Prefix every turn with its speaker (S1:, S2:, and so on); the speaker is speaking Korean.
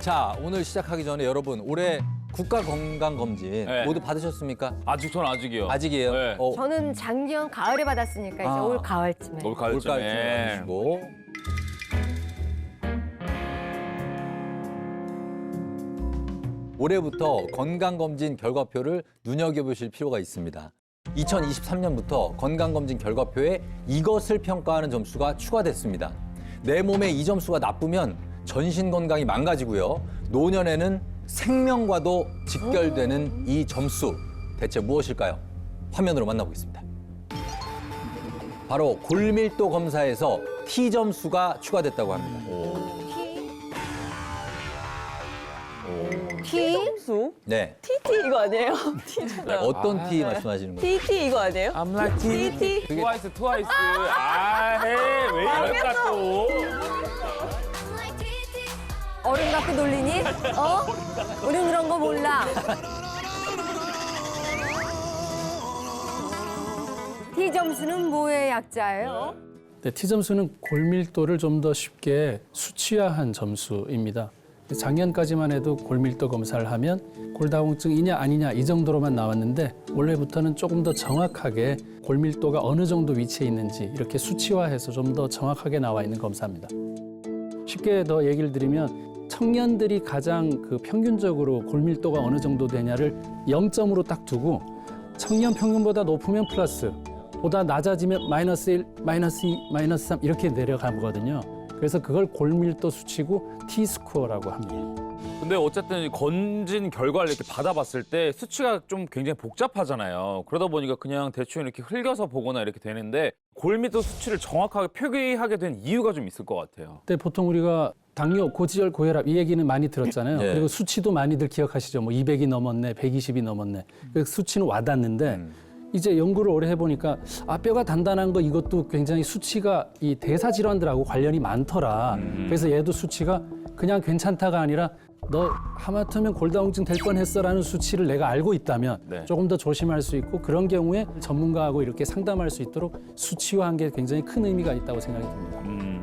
S1: 자, 오늘 시작하기 전에 여러분 올해 국가건강검진
S2: 네.
S1: 모두 받으셨습니까?
S2: 전 아직이요.
S1: 아직이에요?
S2: 네.
S3: 저는 작년 가을에 받았으니까 이제 올 가을쯤에.
S2: 올 가을쯤에.
S1: 올가을쯤에 받으시고. 올해부터 건강검진 결과표를 눈여겨보실 필요가 있습니다. 2023년부터 건강검진 결과표에 이것을 평가하는 점수가 추가됐습니다. 내 몸의 이 점수가 나쁘면 전신 건강이 망가지고요. 노년에는 생명과도 직결되는 이 점수, 대체 무엇일까요? 화면으로 만나보겠습니다. 바로 골밀도 검사에서 T점수가 추가됐다고 합니다.
S3: T?
S4: 점수?
S1: 네.
S4: TT 이거 아니에요? T잖아요.
S1: 어떤 T 말씀하시는 거예요?
S4: TT 이거 아니에요?
S2: I'm like
S4: TT.
S2: 트와이스. 왜 이럴까 또.
S3: 어른 갖고 놀리니? 우린 그런 거 몰라. T 점수는 뭐의 약자예요?
S5: 네, T점수는 골밀도를 좀 더 쉽게 수치화한 점수입니다. 작년까지만 해도 골밀도 검사를 하면 골다공증이냐 아니냐 이 정도로만 나왔는데 올해부터는 조금 더 정확하게 골밀도가 어느 정도 위치해 있는지 이렇게 수치화해서 좀 더 정확하게 나와 있는 검사입니다. 쉽게 더 얘기를 드리면 청년들이 가장 평균적으로 골밀도가 어느 정도 되냐를 0점으로 딱 두고 청년 평균보다 높으면 플러스, 보다 낮아지면 마이너스 1, 마이너스 2, 마이너스 3 이렇게 내려가거든요. 그래서 그걸 골밀도 수치고 T스코어라고 합니다.
S2: 근데 어쨌든 건진 결과를 이렇게 받아봤을 때 수치가 좀 굉장히 복잡하잖아요. 그러다 보니까 그냥 대충 이렇게 흘겨서 보거나 이렇게 되는데 골밀도 수치를 정확하게 표기하게 된 이유가 좀 있을 것 같아요.
S5: 근데 보통 우리가 당뇨, 고지혈, 고혈압 이 얘기는 많이 들었잖아요.
S1: 네.
S5: 그리고 수치도 많이들 기억하시죠. 뭐 200이 넘었네, 120이 넘었네. 그 수치는 와닿는데 이제 연구를 오래 해보니까 뼈가 단단한 거 이것도 굉장히 수치가 이 대사 질환들하고 관련이 많더라. 그래서 얘도 수치가 그냥 괜찮다가 아니라 너 하마터면 골다공증 될 뻔했어라는 수치를 내가 알고 있다면
S2: 네.
S5: 조금 더 조심할 수 있고 그런 경우에 전문가하고 이렇게 상담할 수 있도록 수치화한 게 굉장히 큰 의미가 있다고 생각이 듭니다.